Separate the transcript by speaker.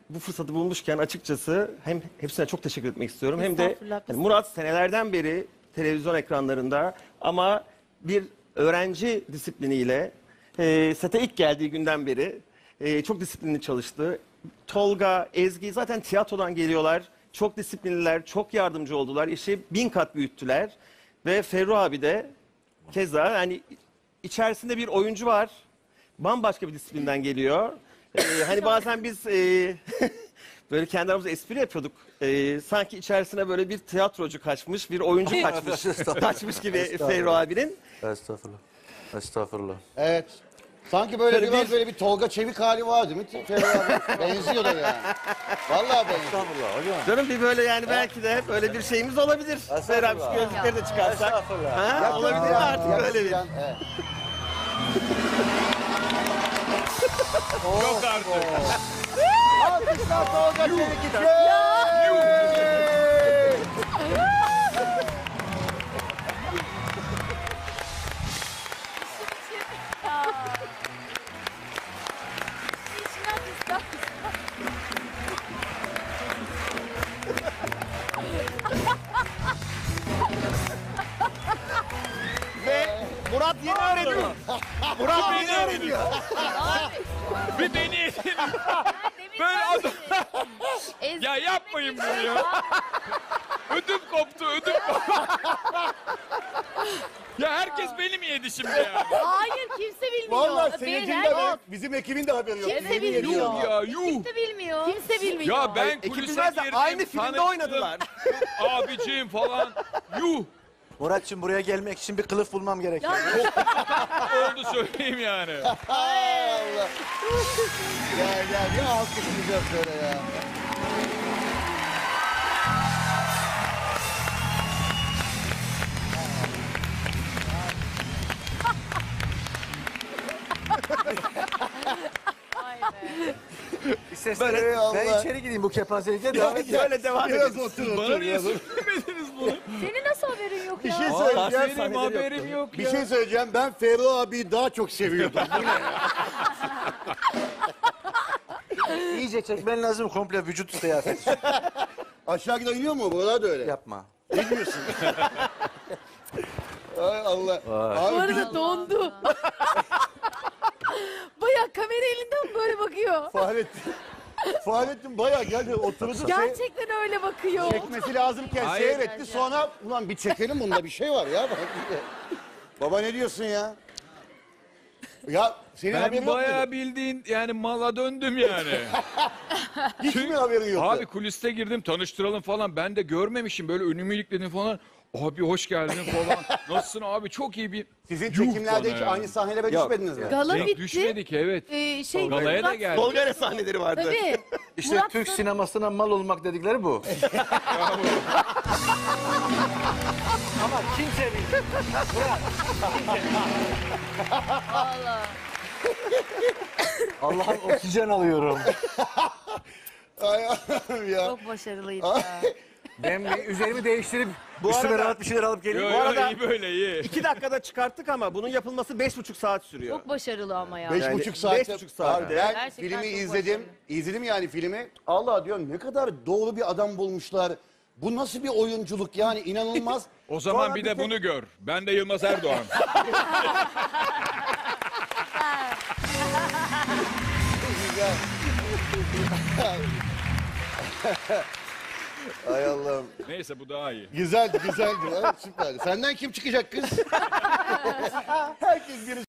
Speaker 1: bu fırsatı bulmuşken açıkçası hem hepsine çok teşekkür etmek istiyorum. Hem de
Speaker 2: Estağfurullah, biz-
Speaker 1: Murat senelerden beri televizyon ekranlarında ama bir öğrenci disipliniyle sete ilk geldiği günden beri çok disiplinli çalıştı. Tolga, Ezgi zaten tiyatrodan geliyorlar. Çok disiplinliler, çok yardımcı oldular. İşi 1000 kat büyüttüler. Ve Ferru abi de keza yani içerisinde bir oyuncu var. Bambaşka bir disiplinden geliyor. Hani bazen biz böyle kendi aramızda espri yapıyorduk. Sanki içerisine böyle bir tiyatrocu kaçmış, bir oyuncu kaçmış gibi Ferru abinin.
Speaker 3: Estağfurullah. Estağfurullah.
Speaker 4: Evet. Sanki böyle
Speaker 1: Şöyle
Speaker 4: biraz böyle bir Tolga Çevik hali var değil mi? Ferro abi. Benziyor da yani. Vallahi benziyor.
Speaker 3: Estağfurullah hocam.
Speaker 1: Canım bir böyle yani belki de böyle bir şeyimiz olabilir. Ferru abi şu gözlükleri de çıkarsak.
Speaker 3: Estağfurullah.
Speaker 1: Ha, olabilir mi artık böyle bir?
Speaker 4: Evet.
Speaker 5: Yok artık.
Speaker 4: Alkışlar Tolga Çevik için.
Speaker 1: Ve Murat yeni öğreniyor. Murat yeni öğreniyor.
Speaker 5: Bir deneyelim. Böyle adam... Ya yapmayın bunu ya. Ödüm koptu, ödüm koptu. Ya herkes beni mi yedi şimdi yani?
Speaker 2: Hayır kimse bilmiyor.
Speaker 4: Vallahi seyircinin de
Speaker 2: Beyler,
Speaker 4: bizim ekibin de haberi yok.
Speaker 2: Kimse
Speaker 4: Yemin
Speaker 2: bilmiyor.
Speaker 4: ediyorum.
Speaker 5: Ya yuh.
Speaker 2: Kimse bilmiyor. Kimse bilmiyor.
Speaker 5: Ya ben
Speaker 1: Ekip
Speaker 5: kulise
Speaker 1: bilmez de
Speaker 5: girdim.
Speaker 1: aynı filmde
Speaker 5: tanıştım.
Speaker 1: oynadılar.
Speaker 5: Abicim falan. Yuh.
Speaker 3: Muratçım buraya gelmek için bir kılıf bulmam gerekiyor.
Speaker 5: Oldu söyleyeyim yani.
Speaker 4: Ay Allah. Gel ya alkışlayacağız böyle ya.
Speaker 3: Böyle,
Speaker 4: Allah.
Speaker 3: ben içeri gideyim bu kepazelikle devam edeceğim.
Speaker 1: Böyle devam
Speaker 4: Biraz
Speaker 1: edelim.
Speaker 4: otur
Speaker 5: Bana
Speaker 4: otur.
Speaker 5: niye
Speaker 4: Biraz otur.
Speaker 5: söylemediniz bunu?
Speaker 2: Senin nasıl haberin yok
Speaker 4: Bir
Speaker 2: ya?
Speaker 4: şey söyleyeceğim.
Speaker 5: Benim haberim yok
Speaker 4: Bir
Speaker 5: ya.
Speaker 4: şey söyleyeceğim. Ben Ferro abiyi daha çok seviyordum. Bu ne?
Speaker 3: İyice çekmen lazım komple vücut kıyafeti.
Speaker 4: Aşağı giden iniyor mu? Buralar da öyle.
Speaker 3: Yapma.
Speaker 4: Ne diyorsun? Ay Allah.
Speaker 2: Bu
Speaker 4: Abi bir
Speaker 2: arada dondu. Baya kamera elinden böyle bakıyor.
Speaker 4: Fahrettin bayağı geldi oturdu.
Speaker 2: Gerçekten öyle bakıyor.
Speaker 4: Çekmesi lazımken
Speaker 5: Hayır.
Speaker 4: seyretti. Sonra ulan bir çekelim bunda bir şey var ya. Baba ne diyorsun ya? Ya senin haberin
Speaker 5: Ben
Speaker 4: yok
Speaker 5: bayağı
Speaker 4: muydu?
Speaker 5: bildiğin yani mala döndüm yani.
Speaker 4: Hiç mi haberin yoktu?
Speaker 5: Abi kuliste girdim tanıştıralım falan. Ben de görmemişim böyle önümü ilikledim falan. Abi hoş geldin falan. Nasılsın abi çok iyi bir...
Speaker 4: Sizin
Speaker 5: Yuh
Speaker 4: çekimlerde
Speaker 5: bana
Speaker 4: hiç
Speaker 5: ya.
Speaker 4: aynı sahnelere
Speaker 1: Yok.
Speaker 4: düşmediniz mi?
Speaker 2: Gala
Speaker 5: Denk
Speaker 2: bitti.
Speaker 5: düşmedik evet. Galaya da
Speaker 2: Murat-
Speaker 5: geldik.
Speaker 1: Tolga ile sahneleri vardı.
Speaker 2: Tabii.
Speaker 3: İşte
Speaker 2: Murat
Speaker 3: Türk
Speaker 2: sonra-
Speaker 3: sinemasına mal olmak dedikleri bu. Ama kimse bilmiyor. Allah'ım oksijen alıyorum.
Speaker 4: Ay Allah'ım ya.
Speaker 2: Çok başarılıydı ya.
Speaker 3: Ben bir üzerimi değiştirip
Speaker 1: Bu
Speaker 3: üstüme
Speaker 1: arada-
Speaker 3: rahat bir şeyler alıp
Speaker 5: Yo,
Speaker 3: geleyim.
Speaker 5: yo,
Speaker 1: arada-
Speaker 5: iyi böyle iyi.
Speaker 1: 2 dakikada çıkarttık ama bunun yapılması 5,5 saat sürüyor.
Speaker 2: Çok başarılı ama ya.
Speaker 4: 5,5
Speaker 1: Yani
Speaker 4: saatte.
Speaker 1: 5,5 saatte.
Speaker 4: Abi ben
Speaker 2: Gerçekten
Speaker 4: filmi
Speaker 2: çok
Speaker 4: izledim.
Speaker 2: başarılı.
Speaker 4: İzledim yani filmi. Allah diyorum ne kadar doğru bir adam bulmuşlar. Bu nasıl bir oyunculuk yani inanılmaz.
Speaker 5: O zaman
Speaker 4: Sonra
Speaker 5: bir de
Speaker 4: tek-
Speaker 5: bunu gör. Ben de Yılmaz Erdoğan.
Speaker 4: Güzel. Ay Allah'ım.
Speaker 5: Neyse bu daha iyi.
Speaker 4: Güzeldi. Ha, süperdi. Senden kim çıkacak kız? Herkes bir